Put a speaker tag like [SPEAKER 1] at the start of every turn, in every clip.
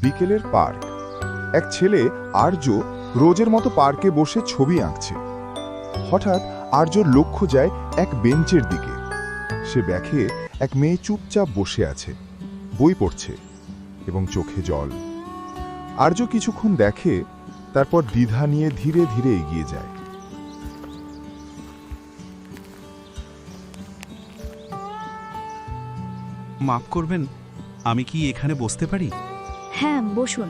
[SPEAKER 1] বিকেলের পার্ক। এক ছেলে আর্য রোজের মতো পার্কে বসে ছবি আঁকছে। হঠাৎ আর্যর লক্ষ্য যায় এক বেঞ্চের দিকে। সে দেখে এক মেয়ে চুপচাপ বসে আছে, বই পড়ছে এবং চোখে জল। আর্য কিছুক্ষণ দেখে, তারপর দ্বিধা নিয়ে ধীরে ধীরে এগিয়ে যায়।
[SPEAKER 2] মাফ করবেন, আমি কি এখানে বসতে পারি?
[SPEAKER 3] হ্যাঁ, বসুন।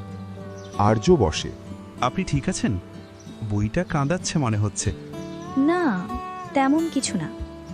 [SPEAKER 1] আর্য বসে।
[SPEAKER 2] আপনি ঠিক আছেন? বইটা কাঁদাচ্ছে মনে হচ্ছে।
[SPEAKER 3] না, তেমন কিছু না।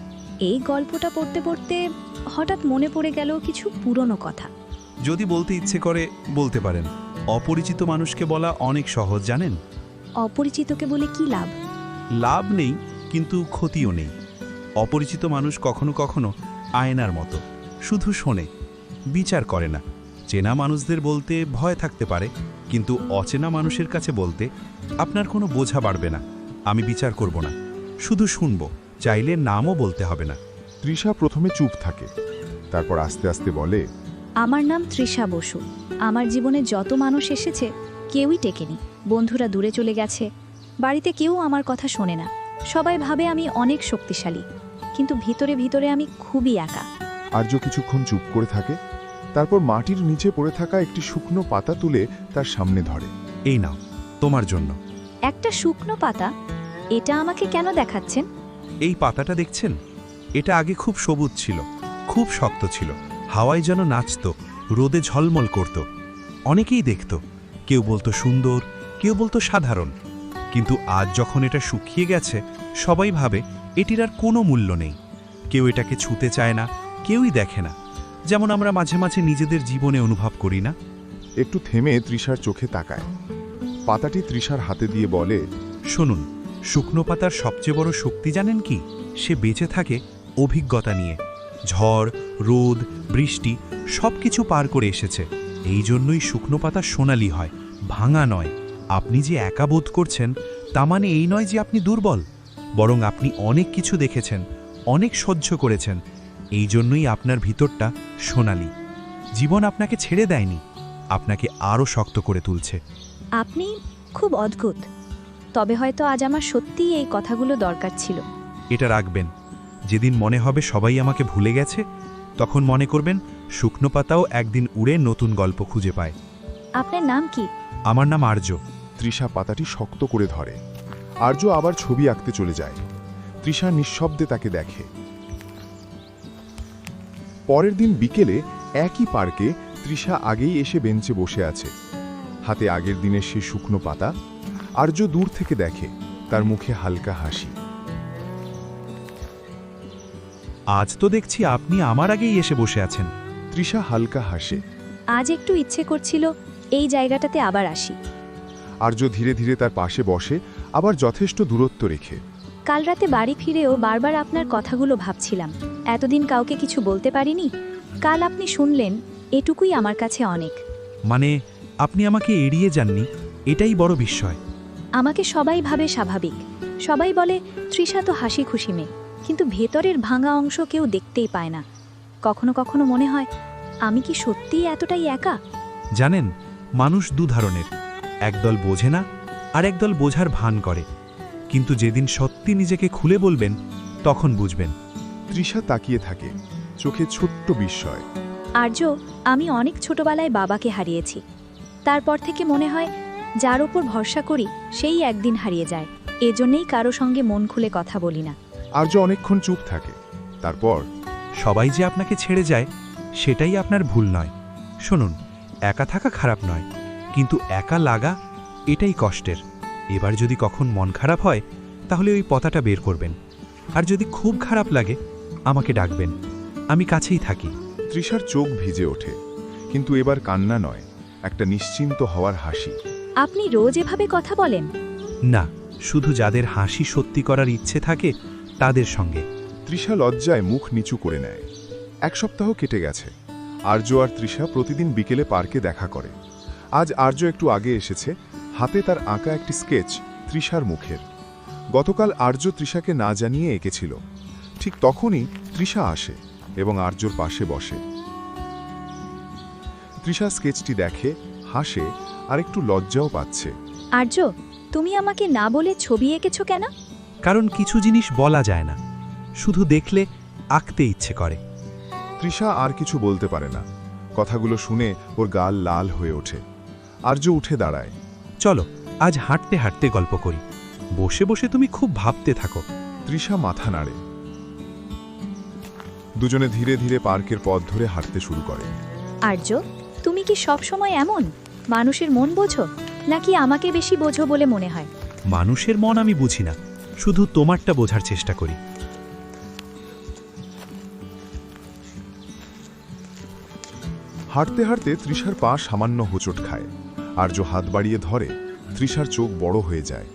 [SPEAKER 3] এই গল্পটা পড়তে পড়তে হঠাৎ মনে পড়ে গেল কিছু পুরনো কথা।
[SPEAKER 2] যদি বলতে ইচ্ছে করে বলতে পারেন। অপরিচিত মানুষকে বলা অনেক সহজ, জানেন?
[SPEAKER 3] অপরিচিতকে বলে কি লাভ?
[SPEAKER 2] লাভ নেই, কিন্তু ক্ষতিও নেই। অপরিচিত মানুষ কখনো কখনো আয়নার মতো, শুধু শোনে, বিচার করে না। চেনা মানুষদের বলতে ভয় থাকতে পারে, কিন্তু অচেনা মানুষের কাছে বলতে আপনার কোনো বোঝা বাড়বে না। আমি বিচার করব না, শুধু শুনব। চাইলে নামও বলতে হবে না।
[SPEAKER 1] তৃষা প্রথমে চুপ থাকে, তারপর আস্তে আস্তে বলে,
[SPEAKER 3] আমার নাম তৃষা বসু। আমার জীবনে যত মানুষ এসেছে কেউই টেকেনি। বন্ধুরা দূরে চলে গেছে, বাড়িতে কেউ আমার কথা শোনে না। সবাই ভাবে আমি অনেক শক্তিশালী, কিন্তু ভিতরে ভিতরে আমি খুবই একা।
[SPEAKER 1] আর্য কিছুক্ষণ চুপ করে থাকে, তারপর মাটির নিচে পড়ে থাকা একটি শুকনো পাতা তুলে তার সামনে ধরে।
[SPEAKER 2] এই নাও, তোমার জন্য।
[SPEAKER 3] একটা শুকনো পাতা? এটা আমাকে কেন দেখাচ্ছেন?
[SPEAKER 2] এই পাতাটা দেখছেন? এটা আগে খুব সবুজ ছিল, খুব শক্ত ছিল, হাওয়ায় যেন নাচত, রোদে ঝলমল করত। অনেকেই দেখত, কেউ বলতো সুন্দর, কেউ বলতো সাধারণ। কিন্তু আজ যখন এটা শুকিয়ে গেছে, সবাই ভাবে এটির আর কোনো মূল্য নেই। কেউ এটাকে ছুঁতে চায় না, কেউই দেখে না। যেমন আমরা মাঝে মাঝে নিজেদের জীবনে অনুভব করি না?
[SPEAKER 1] একটু থেমে তৃষার চোখে তাকায়। পাতাটি তৃষার হাতে দিয়ে বলে,
[SPEAKER 2] শুনুন, শুকনো পাতার সবচেয়ে বড় শক্তি জানেন কি? সে বেঁচে থাকে অভিজ্ঞতা নিয়ে। ঝড়, রোদ, বৃষ্টি সব কিছু পার করে এসেছে। এই জন্যই শুকনো পাতা সোনালি হয়, ভাঙা নয়। আপনি যে একা বোধ করছেন, তা মানে এই নয় যে আপনি দুর্বল, বরং আপনি অনেক কিছু দেখেছেন, অনেক সহ্য করেছেন। এই জন্যই আপনার ভিতরটা সোনালি। জীবন আপনাকে ছেড়ে দেয়নি, আপনাকে আরও শক্ত করে তুলছে।
[SPEAKER 3] আপনি খুব অদ্ভুত। তবে হয়তো আজ আমার সত্যিই এই কথাগুলো দরকার ছিল।
[SPEAKER 2] এটা রাখবেন। যেদিন মনে হবে সবাই আমাকে ভুলে গেছে, তখন মনে করবেন শুকনো পাতাও একদিন উড়ে নতুন গল্প খুঁজে পায়।
[SPEAKER 3] আপনার নাম কি?
[SPEAKER 2] আমার নাম আর্য।
[SPEAKER 1] তৃষা পাতাটি শক্ত করে ধরে। আর্য আবার ছবি আঁকতে চলে যায়। তৃষা নিঃশব্দে তাকে দেখে। পরের দিন বিকেলে একই পার্কে তৃষা আগেই এসে বেঞ্চে বসে আছে, হাতে আগের দিনের সে শুকনো পাতা। আর্য দূর থেকে দেখে, তার মুখে হালকা হাসি।
[SPEAKER 2] আজ তো দেখছি আপনি আমার আগেই এসে বসে আছেন।
[SPEAKER 1] তৃষা হালকা হাসে।
[SPEAKER 3] আজ একটু ইচ্ছে করছিল এই জায়গাটাতে আবার আসি।
[SPEAKER 1] আর্য ধীরে ধীরে তার পাশে বসে, আবার যথেষ্ট দূরত্ব রেখে।
[SPEAKER 3] কাল রাতে বাড়ি ফিরেও বারবার আপনার কথাগুলো ভাবছিলাম। এতদিন কাউকে কিছু বলতে পারিনি। কাল আপনি শুনলেন, এটুকুই আমার কাছে অনেক।
[SPEAKER 2] মানে আপনি আমাকে এড়িয়ে যাননি, এটাই বড় বিস্ময়।
[SPEAKER 3] আমাকে সবাই ভাবে স্বাভাবিক। সবাই বলে তৃষা তো হাসি খুশি মেয়ে, কিন্তু ভেতরের ভাঙা অংশ কেউ দেখতেই পায় না। কখনো কখনো মনে হয়, আমি কি সত্যিই এতটাই একা?
[SPEAKER 2] জানেন, মানুষ দু ধরনের, একদল বোঝে না, আর একদল বোঝার ভান করে। কিন্তু যেদিন সত্যি নিজেকে খুলে বলবেন, তখন বুঝবেন।
[SPEAKER 1] তৃষা তাকিয়ে থাকে, চোখে ছোট্ট বিস্ময়।
[SPEAKER 3] আর্য, আমি অনেক ছোটবেলায় বাবাকে হারিয়েছি। তারপর থেকে মনে হয়, যার ওপর ভরসা করি সেই একদিন হারিয়ে যায়। এজন্যই কারো সঙ্গে মন খুলে কথা বলি না।
[SPEAKER 1] আর্য অনেকক্ষণ চুপ থাকে, তারপর,
[SPEAKER 2] সবাই যে আপনাকে ছেড়ে যায়, সেটাই আপনার ভুল নয়। শুনুন, একা থাকা খারাপ নয়, কিন্তু একা লাগা, এটাই কষ্টের। এবার যদি কখন মন খারাপ হয়, তাহলে ওই পাতাটা বের করবেন। আর যদি খুব খারাপ লাগে, আমাকে ডাকবেন, আমি কাছেই থাকি।
[SPEAKER 1] তৃষার চোখ ভিজে ওঠে, কিন্তু এবার কান্না নয়, একটা নিশ্চিন্ত হওয়ার হাসি।
[SPEAKER 3] আপনি রোজ এভাবে কথা বলেন?
[SPEAKER 2] না, শুধু যাদের হাসি সত্যি করার ইচ্ছে থাকে তাদের সঙ্গে।
[SPEAKER 1] তৃষা লজ্জায় মুখ নিচু করে নেয়। এক সপ্তাহ কেটে গেছে। আর্য আর তৃষা প্রতিদিন বিকেলে পার্কে দেখা করে। আজ আর্য একটু আগে এসেছে, হাতে তার আঁকা একটি স্কেচ তৃষার মুখের। গতকাল আর্য তৃষাকে না জানিয়ে এঁকেছিল। ঠিক তখনই তৃষা আসে এবং আর্যর পাশে বসে। তৃষা স্কেচটি দেখে, হাসে আর একটু লজ্জাও পাচ্ছে।
[SPEAKER 3] আর্য, তুমি আমাকে না বলে ছবি এঁকেছো কেন?
[SPEAKER 2] কারণ কিছু জিনিস বলা যায় না, শুধু দেখলে আঁকতে ইচ্ছে করে।
[SPEAKER 1] তৃষা আর কিছু বলতে পারে না। কথাগুলো শুনে ওর গাল লাল হয়ে ওঠে। আর্য উঠে দাঁড়ায়।
[SPEAKER 2] চলো আজ হাঁটতে হাঁটতে গল্প করি। বসে বসে তুমি খুব ভাবতে থাকো।
[SPEAKER 1] তৃষা মাথা নাড়ে। দুজনে ধীরে ধীরে পার্কের পথ ধরে হাঁটতে শুরু করে।
[SPEAKER 3] আর্য, তুমি কি সব সময় এমন মানুষের মন বোঝো, নাকি আমাকে বেশি বোঝো বলে মনে হয়?
[SPEAKER 2] মানুষের মন আমি বুঝি না, শুধু তোমারটা বোঝার চেষ্টা করি।
[SPEAKER 1] হাঁটতে হাঁটতে তৃষার পা সামান্য হোঁচট খায়। আর্য হাত বাড়িয়ে ধরে। তৃষার চোখ বড় হয়ে যায়।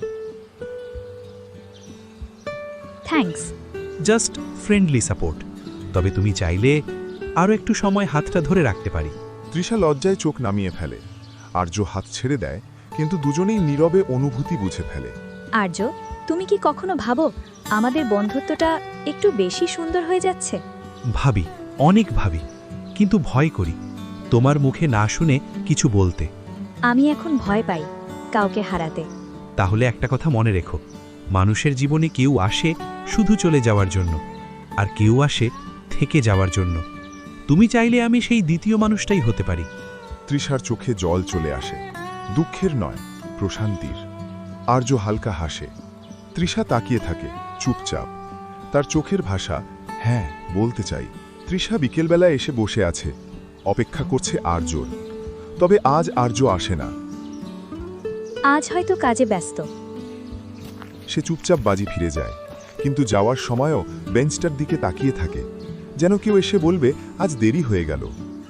[SPEAKER 3] থ্যাঙ্কস।
[SPEAKER 2] Just friendly support. তবে তুমি চাইলে আরও একটু সময় হাতটা ধরে রাখতে পারি।
[SPEAKER 1] তৃষা লজ্জায় চোখ নামিয়ে ফেলে। আর্য হাত ছেড়ে দেয়, কিন্তু দুজনেই নীরবে অনুভূতি বুঝে ফেলে।
[SPEAKER 3] আর্য, তুমি কি কখনো ভাবো আমাদের বন্ধুত্বটা একটু বেশি সুন্দর হয়ে যাচ্ছে?
[SPEAKER 2] ভাবি, অনেক ভাবি, কিন্তু ভয় করি তোমার মুখে না শুনে কিছু বলতে।
[SPEAKER 3] আমি এখন ভয় পাই কাউকে হারাতে।
[SPEAKER 2] তাহলে একটা কথা মনে রেখো, মানুষের জীবনে কেউ আসে শুধু চলে যাওয়ার জন্য, আর কেউ আসে থেকে যাওয়ার জন্য। তুমি চাইলে আমি সেই দ্বিতীয় মানুষটাই হতে পারি।
[SPEAKER 1] তৃষার চোখে জল চলে আসে, দুঃখের নয়, প্রশান্তির। আর্য হালকা হাসে। তৃষা তাকিয়ে থাকে, চুপচাপ। তার চোখের ভাষা হ্যাঁ বলতে চাই। তৃষা বিকেলবেলা এসে বসে আছে, অপেক্ষা করছে আর্যর। তবে আজ আর্য আসে না।
[SPEAKER 3] আজ হয়তো কাজে ব্যস্ত।
[SPEAKER 1] সে চুপচাপ বাজি ফিরে যায়, কিন্তু যাওয়ার সময়ও বেঞ্চটার দিকে তাকিয়ে থাকে, যেন কেউ এসে বলবে আজ দেরি হয়ে গেল।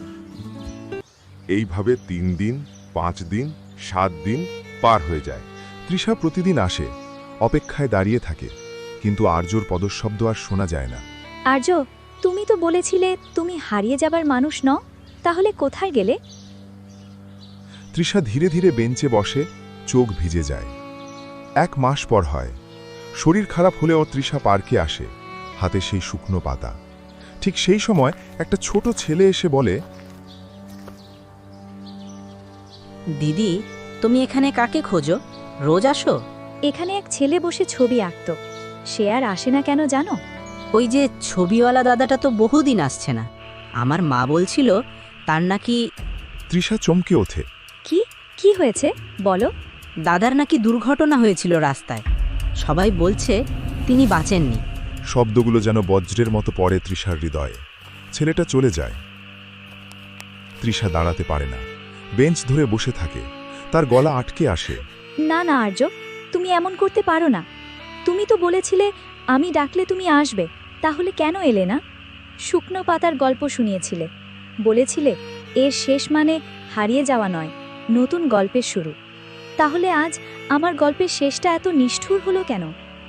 [SPEAKER 1] এইভাবে 3 দিন, 5 দিন, 7 দিন পার হয়ে যায়। তৃষা প্রতিদিন আসে, অপেক্ষায় দাঁড়িয়ে থাকে, কিন্তু আর্যর পদশব্দ আর শোনা যায় না।
[SPEAKER 3] আর্য, তুমি তো বলেছিলে তুমি হারিয়ে যাবার মানুষ নও, তাহলে কোথায় গেলে?
[SPEAKER 1] তৃষা ধীরে ধীরে বেঞ্চে বসে, চোখ ভিজে যায়। 1 মাস পর হয়। শরীর খারাপ হলেও তৃষা পার্কে আসে, হাতে সেই শুকনো পাতা। ঠিক সেই সময় একটা ছোট ছেলে এসে বলে,
[SPEAKER 4] দিদি, তুমি এখানে কাকে খোঁজো? রোজ আসো?
[SPEAKER 3] এখানে এক ছেলে বসে ছবি আঁকত। সে আর আসে না কেন জানো?
[SPEAKER 4] ওই যে ছবিওয়ালা দাদাটা তো বহুদিন আসছে না। আমার মা বলছিল তার নাকি
[SPEAKER 1] তৃষা চমকে ওঠে।
[SPEAKER 3] কি কি হয়েছে বলো?
[SPEAKER 4] দাদার নাকি দুর্ঘটনা হয়েছিল রাস্তায়। সবাই বলছে তিনি বাঁচেননি।
[SPEAKER 1] শব্দগুলো যেন বজ্রের মতো পড়ে তৃষার হৃদয়ে। ছেলেটা চলে যায়। তৃষা দাঁড়াতে পারে না, বেঞ্চ ধরে বসে থাকে। তার গলা আটকে আসে।
[SPEAKER 3] না না আর্য, তুমি এমন করতে পারো না। তুমি তো বলেছিলে আমি ডাকলে তুমি আসবে, তাহলে কেন এলে না? শুকনো পাতার গল্প শুনিয়েছিলে, বলেছিলে এর শেষ মানে হারিয়ে যাওয়া নয়, নতুন গল্পের শুরু। তাহলে আজ আমার গল্পের শেষটা এত নিষ্ঠুর হলো কেন?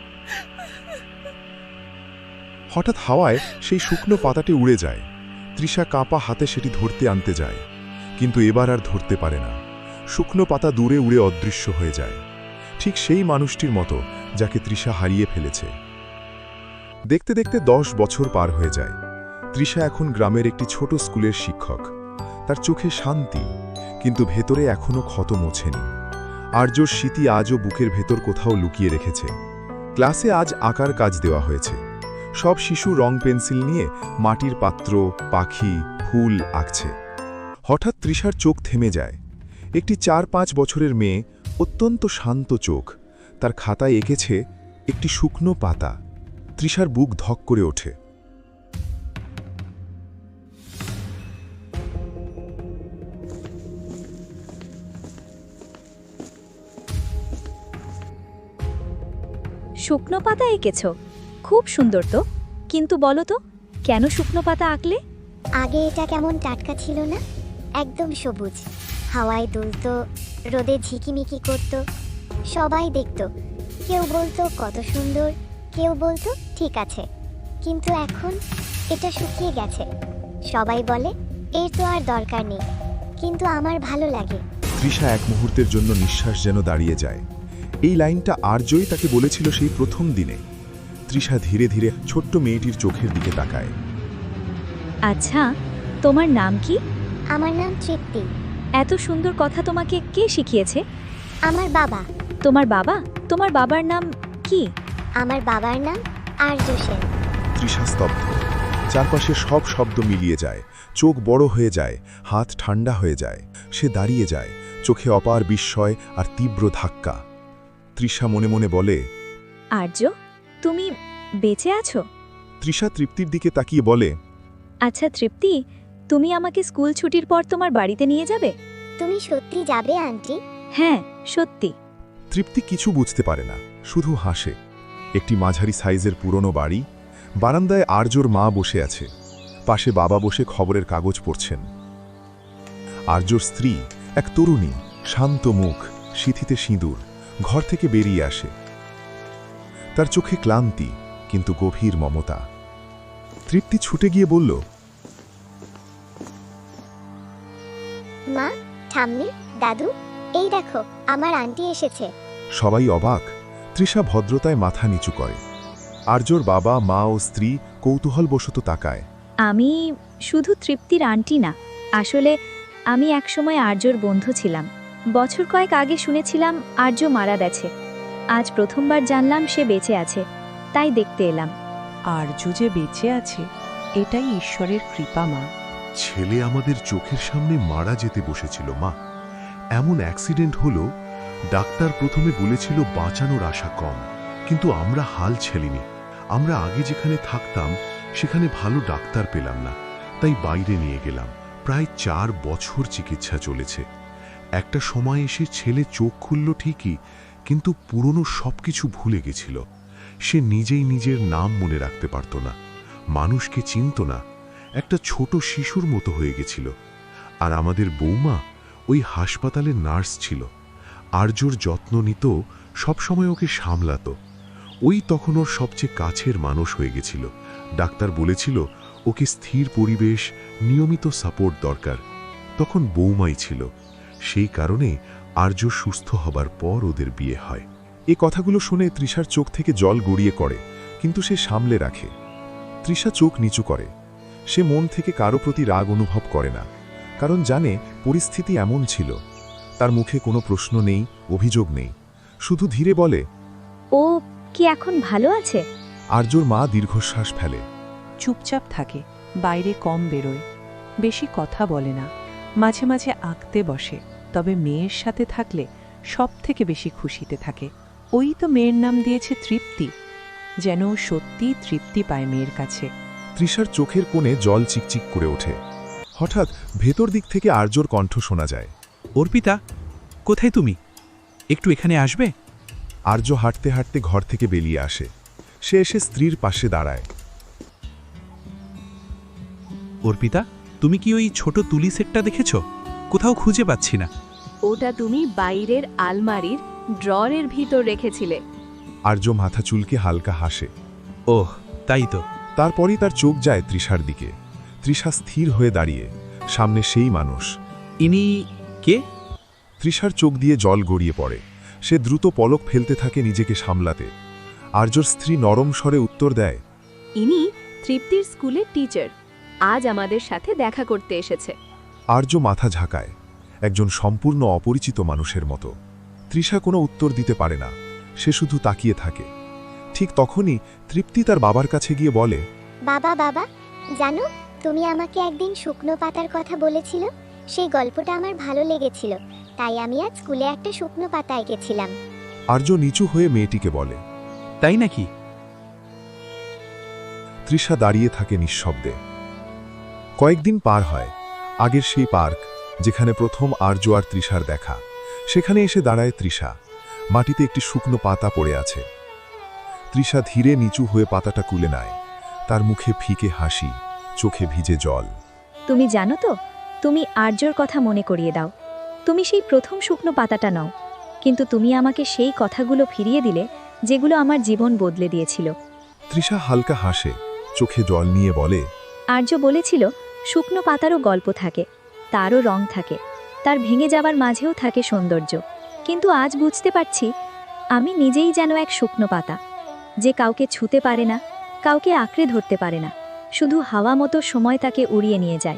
[SPEAKER 1] হঠাৎ হাওয়ায় সেই শুকনো পাতাটি উড়ে যায়। তৃষা কাঁপা হাতে সেটি ধরতে আনতে যায়, কিন্তু এবার আর ধরতে পারে না। শুকনো পাতা দূরে উড়ে অদৃশ্য হয়ে যায়, ঠিক সেই মানুষটির মতো যাকে তৃষা হারিয়ে ফেলেছে। দেখতে দেখতে 10 বছর পার হয়ে যায়। তৃষা এখন গ্রামের একটি ছোট স্কুলের শিক্ষক। তার চোখে শান্তি, কিন্তু ভেতরে এখনো ক্ষত মোছেনি। আর্যর স্মৃতি আজও বুকের ভেতর কোথাও লুকিয়ে রেখেছে। ক্লাসে আজ আঁকার কাজ দেওয়া হয়েছে। সব শিশু রং পেন্সিল নিয়ে মাটির পাত্র, পাখি, ফুল আঁকছে। হঠাৎ তৃষার চোখ থেমে যায়। একটি 4-5 বছরের মেয়ে, অত্যন্ত শান্ত চোখ, তার খাতায় এঁকেছে একটি শুকনো পাতা। তৃষার বুক ধক করে ওঠে।
[SPEAKER 3] শুকনো পাতা এঁকেছ? খুব সুন্দর তো, কিন্তু বলো তো কেন শুকনো পাতা আঁকলে?
[SPEAKER 5] আগে এটা কেমন টাটকা ছিল না, একদম সবুজ। হাওয়ায় দুলতো, রোদে ঝিকিমিকি করত, সবাই দেখত। কেউ বলতো কত সুন্দর, কেউ বলতো ঠিক আছে। কিন্তু এখন এটা শুকিয়ে গেছে। সবাই বলে এর তো আর দরকার নেই, কিন্তু আমার ভালো লাগে।
[SPEAKER 1] তৃষা এক মুহূর্তের জন্য নিঃশ্বাস যেন দাঁড়িয়ে যায়। এই লাইনটা আর্যই তাকে বলেছিল সেই প্রথম দিনে। তৃষা ধীরে ধীরে ছোট্ট মেয়েটির চোখের দিকে তাকায়।
[SPEAKER 3] আচ্ছা, তোমার নাম কি?
[SPEAKER 5] আমার নাম তৃপ্তি।
[SPEAKER 3] এত সুন্দর কথা তোমাকে কে শিখিয়েছে?
[SPEAKER 5] আমার বাবা।
[SPEAKER 3] তোমার বাবা? তোমার বাবার নাম কি?
[SPEAKER 5] আমার বাবার নাম আর্য সেন।
[SPEAKER 1] তৃষা স্তব্ধ। চারপাশে সব শব্দ মিলিয়ে যায়, চোখ বড় হয়ে যায়, হাত ঠান্ডা হয়ে যায়। সে দাঁড়িয়ে যায়, চোখে অপার বিস্ময় আর তীব্র ধাক্কা। তৃষা মনে মনে বলে,
[SPEAKER 3] আর্য, তুমি বেঁচে আছো?
[SPEAKER 1] তৃষা তৃপ্তির দিকে তাকিয়ে বলে,
[SPEAKER 3] আচ্ছা তৃপ্তি, তুমি আমাকে স্কুল ছুটির পর তোমার বাড়িতে নিয়ে যাবে?
[SPEAKER 5] তুমি সত্যি যাবে আন্টি?
[SPEAKER 3] হ্যাঁ, সত্যি।
[SPEAKER 1] তৃপ্তি কিছু বুঝতে পারে না, শুধু হাসে। একটি মাঝারি সাইজের পুরনো বাড়ি, বারান্দায় আর্যর মা বসে আছে, পাশে বাবা বসে খবরের কাগজ পড়ছেন। আর্যর স্ত্রী, এক তরুণী, শান্ত মুখ, সিঁথিতে সিঁদুর, ঘর থেকে বেরিয়ে আসে। তার চোখে ক্লান্তি, কিন্তু গভীর মমতা। তৃপ্তি ছুটে গিয়ে বলল,
[SPEAKER 5] মা, ঠাম্মি, দাদু, এই দেখো আমার আন্টি এসেছে।
[SPEAKER 1] সবাই অবাক। তৃষা ভদ্রতায় মাথা নিচু করে। আর্যর বাবা, মা ও স্ত্রী কৌতূহলবশত তাকায়।
[SPEAKER 3] আমি শুধু তৃপ্তির আন্টি না, আসলে আমি একসময় আর্যর বন্ধু ছিলাম। বছর কয়েক আগে শুনেছিলাম আর্য মারা গেছে। আজ প্রথমবার জানলাম সে বেঁচে আছে, তাই দেখতে এলাম।
[SPEAKER 6] আর্য যে বেঁচে আছে এটাই ঈশ্বরের কৃপা মা।
[SPEAKER 7] ছেলে আমাদের চোখের সামনে মারা যেতে বসেছিল মা। এমন অ্যাক্সিডেন্ট হলো, ডাক্তার প্রথমে বলেছিল বাঁচানোর আশা কম, কিন্তু আমরা হাল ছেলিনি। আমরা আগে যেখানে থাকতাম সেখানে ভালো ডাক্তার পেলাম না, তাই বাইরে নিয়ে গেলাম। প্রায় 4 বছর চিকিৎসা চলেছে। একটা সময় এসে ছেলে চোখ খুলল ঠিকই, কিন্তু পুরনো সবকিছু ভুলে গেছিল। সে নিজেই নিজের নাম মনে রাখতে পারত না, মানুষকে চিনত না, একটা ছোট শিশুর মতো হয়ে গেছিল। আর আমাদের বৌমা ওই হাসপাতালে নার্স ছিল, আর্যর যত্ন নিত, সবসময় ওকে সামলাতো। ওই তখন ওর সবচেয়ে কাছের মানুষ হয়ে গেছিল। ডাক্তার বলেছিল ওকে স্থির পরিবেশ, নিয়মিত সাপোর্ট দরকার। তখন বৌমাই ছিল। সেই কারণে আর্য সুস্থ হবার পর ওদের বিয়ে হয়।
[SPEAKER 1] এ কথাগুলো শুনে তৃষার চোখ থেকে জল গড়িয়ে করে, কিন্তু সে সামলে রাখে। তৃষা চোখ নিচু করে। সে মন থেকে কারো প্রতি রাগ অনুভব করে না, কারণ জানে পরিস্থিতি এমন ছিল। তার মুখে কোনো প্রশ্ন নেই, অভিযোগ নেই, শুধু ধীরে বলে,
[SPEAKER 3] ও কি এখন ভালো আছে?
[SPEAKER 1] আর্যর মা দীর্ঘশ্বাস ফেলে।
[SPEAKER 6] চুপচাপ থাকে, বাইরে কম বেরোয়, বেশি কথা বলে না, মাঝে মাঝে আঁকতে বসে। তবে মেয়ের সাথে থাকলে সব থেকে বেশি খুশিতে থাকে। ওই তো মেয়ের নাম দিয়েছে তৃপ্তি, যেন ও সত্যিই তৃপ্তি পায় মেয়ের কাছে।
[SPEAKER 1] তৃষার চোখের কোণে জল চিকচিক করে ওঠে। হঠাৎ ভেতর দিক থেকে আর্যর কণ্ঠ শোনা যায়।
[SPEAKER 2] অর্পিতা, কোথায় তুমি? একটু এখানে আসবে?
[SPEAKER 1] আর্য হাঁটতে হাঁটতে ঘর থেকে বেরিয়ে আসে। সে এসে স্ত্রীর পাশে দাঁড়ায়।
[SPEAKER 2] অর্পিতা, তুমি কি ওই ছোট তুলি সেটটা দেখেছ? কোথাও খুঁজে পাচ্ছি না।
[SPEAKER 8] ওটা তুমি বাইরের আলমারির ড্ররের ভিতর রেখেছিলে।
[SPEAKER 1] আর্য মাথা চুলকে হালকা হাসে।
[SPEAKER 2] ওহ, তাই তো।
[SPEAKER 1] তারপরই তার চোখ যায় তৃষার দিকে। তৃষা স্থির হয়ে দাঁড়িয়ে, সামনে সেই মানুষ।
[SPEAKER 2] ইনি কে?
[SPEAKER 1] তৃষার চোখ দিয়ে জল গড়িয়ে পড়ে। সে দ্রুত পলক ফেলতে থাকে নিজেকে সামলাতে। আর্যর স্ত্রী নরম স্বরে উত্তর দেয়,
[SPEAKER 8] ইনি তৃপ্তির স্কুলের টিচার, আজ আমাদের সাথে দেখা করতে এসেছে।
[SPEAKER 1] আর্য মাথা ঝাঁকায়, একজন সম্পূর্ণ অপরিচিত মানুষের মতো। তৃষা কোনো উত্তর দিতে পারে না, সে শুধু তাকিয়ে থাকে। ঠিক তখনই তৃপ্তি তার বাবার কাছে গিয়ে বলে,
[SPEAKER 5] বাবা, বাবা, জানো তুমি আমাকে একদিন শুকনো পাতার কথা বলেছিল, সেই গল্পটা আমার ভালো লেগেছিল, তাই আমি আজ স্কুলে একটা শুকনো পাতা এঁকেছিলাম।
[SPEAKER 1] আর্য নিচু হয়ে মেয়েটিকে বলে।
[SPEAKER 2] তাই নাকি?
[SPEAKER 1] তৃষা দাঁড়িয়ে থাকে নিঃশব্দে। কয়েকদিন পার হয়। আগের সেই পার্ক, যেখানে প্রথম আর্য আর তৃষার দেখা, সেখানে এসে দাঁড়ায় তৃষা। মাটিতে একটি শুকনো পাতা পড়ে আছে। তৃষা ধীরে নিচু হয়ে পাতাটা কুলে নেয়। তার মুখে ফিকে হাসি, চোখে ভিজে জল।
[SPEAKER 3] তুমি জানো তো, তুমি আর্যর কথা মনে করিয়ে দাও। তুমি সেই প্রথম শুকনো পাতাটা নও, কিন্তু তুমি আমাকে সেই কথাগুলো ফিরিয়ে দিলে যেগুলো আমার জীবন বদলে দিয়েছিল।
[SPEAKER 1] তৃষা হালকা হাসে, চোখে জল নিয়ে বলে,
[SPEAKER 3] আর্য বলেছিল শুকনো পাতারও গল্প থাকে, তারও রং থাকে, তার ভেঙে যাবার মাঝেও থাকে সৌন্দর্য। কিন্তু আজ বুঝতে পারছি, আমি নিজেই যেন এক শুকনো পাতা, যে কাউকে ছুতে পারে না, কাউকে আঁকড়ে ধরতে পারে না, শুধু হাওয়া মতো সময় তাকে উড়িয়ে নিয়ে যায়।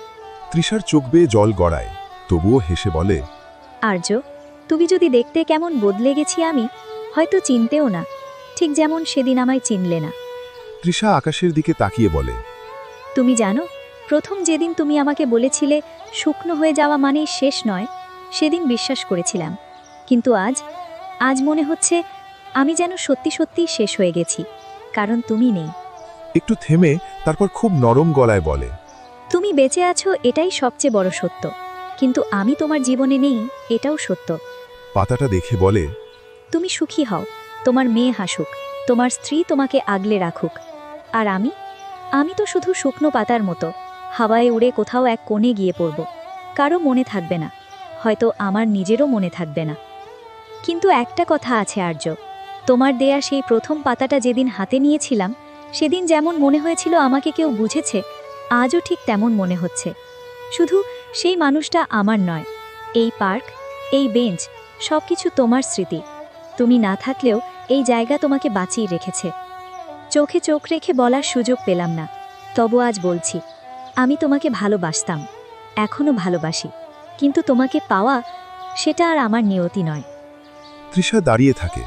[SPEAKER 1] তৃষার চোখ বেয়ে জল গড়ায়, তবুও হেসে বলে,
[SPEAKER 3] আর্য, তুমি যদি দেখতে কেমন বদলে গেছি আমি, হয়তো চিনতেও না, ঠিক যেমন সেদিন আমায় চিনলে না।
[SPEAKER 1] তৃষা আকাশের দিকে তাকিয়ে বলে,
[SPEAKER 3] তুমি জানো, প্রথম যেদিন তুমি আমাকে বলেছিলে শুকনো হয়ে যাওয়া মানেই শেষ নয়, সেদিন বিশ্বাস করেছিলাম। কিন্তু আজ মনে হচ্ছে আমি যেন সত্যি সত্যিই শেষ হয়ে গেছি, কারণ তুমি নেই।
[SPEAKER 1] একটু থেমে তারপর খুব নরম গলায় বলে,
[SPEAKER 3] তুমি বেঁচে আছো এটাই সবচেয়ে বড় সত্য, কিন্তু আমি তোমার জীবনে নেই এটাও সত্য।
[SPEAKER 1] পাতাটা দেখে বলে,
[SPEAKER 3] তুমি সুখী হও, তোমার মেয়ে হাসুক, তোমার স্ত্রী তোমাকে আগলে রাখুক, আর আমি তো শুধু শুকনো পাতার মতো হাওয়ায় উড়ে কোথাও এক কোণে গিয়ে পড়ব। কারো মনে থাকবে না, হয়তো আমার নিজেরও মনে থাকবে না। কিন্তু একটা কথা আছে আর্য, তোমার দেয়া সেই প্রথম পাতাটা যেদিন হাতে নিয়েছিলাম, সেদিন যেমন মনে হয়েছিল আমাকে কেউ বুঝেছে, আজও ঠিক তেমন মনে হচ্ছে। শুধু সেই মানুষটা আমার নয়, এই পার্ক, এই বেঞ্চ, সব কিছু তোমার স্মৃতি। তুমি না থাকলেও এই জায়গা তোমাকে বাঁচিয়ে রেখেছে। চোখে চোখ রেখে বলার সুযোগ পেলাম না, তবু আজ বলছি, আমি তোমাকে ভালোবাসতাম, এখনও ভালোবাসি, কিন্তু তোমাকে পাওয়া সেটা আর আমার নিয়তি নয়।
[SPEAKER 1] তৃষা দাঁড়িয়ে থাকে।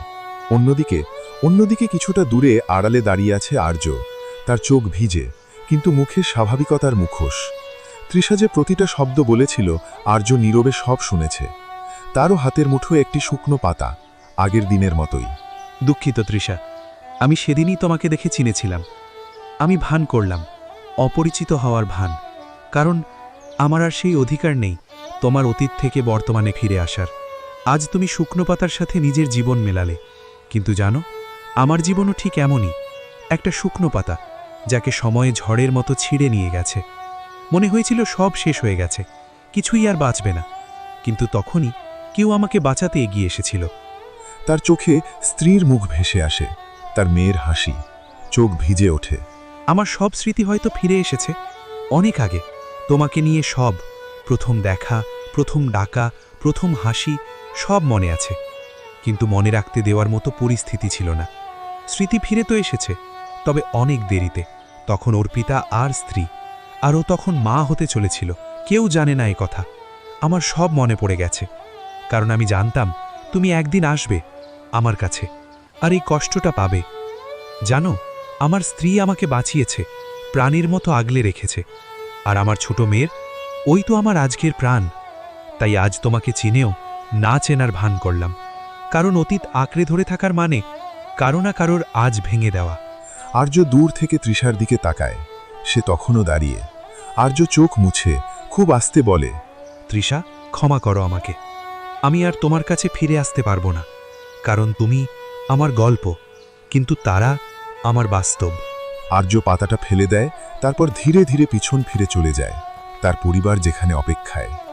[SPEAKER 1] অন্যদিকে কিছুটা দূরে আড়ালে দাঁড়িয়ে আছে আর্য। তার চোখ ভিজে, কিন্তু মুখে স্বাভাবিকতার মুখোশ। তৃষা যে প্রতিটা শব্দ বলেছিল আর্য নীরবে সব শুনেছে। তারও হাতের মুঠো একটি শুকনো পাতা, আগের দিনের মতোই।
[SPEAKER 2] দুঃখিত তৃষা, আমি সেদিনই তোমাকে দেখে চিনেছিলাম। আমি ভান করলাম, অপরিচিত হওয়ার ভান, কারণ আমার আর সেই অধিকার নেই তোমার অতীত থেকে বর্তমানে ফিরে আসার। আজ তুমি শুকনো পাতার সাথে নিজের জীবন মেলালে, কিন্তু জানো, আমার জীবনও ঠিক এমনই, একটা শুকনো পাতা যাকে সময়ে ঝড়ের মতো ছিঁড়ে নিয়ে গেছে। মনে হয়েছিল সব শেষ হয়ে গেছে, কিছুই আর বাঁচবে না, কিন্তু তখনই কেউ আমাকে বাঁচাতে এগিয়ে এসেছিল।
[SPEAKER 1] তার চোখে স্ত্রীর মুখ ভেসে আসে, তার মেয়ের হাসি, চোখ ভিজে ওঠে।
[SPEAKER 2] আমার সব স্মৃতি হয়তো ফিরে এসেছে, অনেক আগে তোমাকে নিয়ে সব, প্রথম দেখা, প্রথম ডাকা, প্রথম হাসি, সব মনে আছে, কিন্তু মনে রাখতে দেওয়ার মতো পরিস্থিতি ছিল না। স্মৃতি ফিরে তো এসেছে, তবে অনেক দেরিতে। তখন অর্পিতা আর স্ত্রী, আর ও তখন মা হতে চলেছিল। কেউ জানে না এ কথা। আমার সব মনে পড়ে গেছে, কারণ আমি জানতাম তুমি একদিন আসবে আমার কাছে, আর এই কষ্টটা পাবে। জানো, আমার স্ত্রী আমাকে বাঁচিয়েছে, প্রাণীর মতো আগলে রেখেছে, আর আমার ছোট মেয়ের, ওই তো আমার আজকের প্রাণ। তাই আজ তোমাকে চিনেও না চেনার ভান করলাম, কারণ অতীত আঁকড়ে ধরে থাকার মানে কারো না কারোর আজ ভেঙে দেওয়া।
[SPEAKER 1] আর্য দূর থেকে তৃষার দিকে তাকায়, সে তখনও দাঁড়িয়ে। আর্য চোখ মুছে খুব আস্তে বলে,
[SPEAKER 2] তৃষা, ক্ষমা করো আমাকে, আমি আর তোমার কাছে ফিরে আসতে পারবো না, কারণ তুমি আমার গল্প, কিন্তু তারা আমার বাস্তব।
[SPEAKER 1] আর্য পাতাটা ফেলে দেয়, তারপর ধীরে ধীরে পিছন ফিরে চলে যায়, তার পরিবার যেখানে অপেক্ষায়।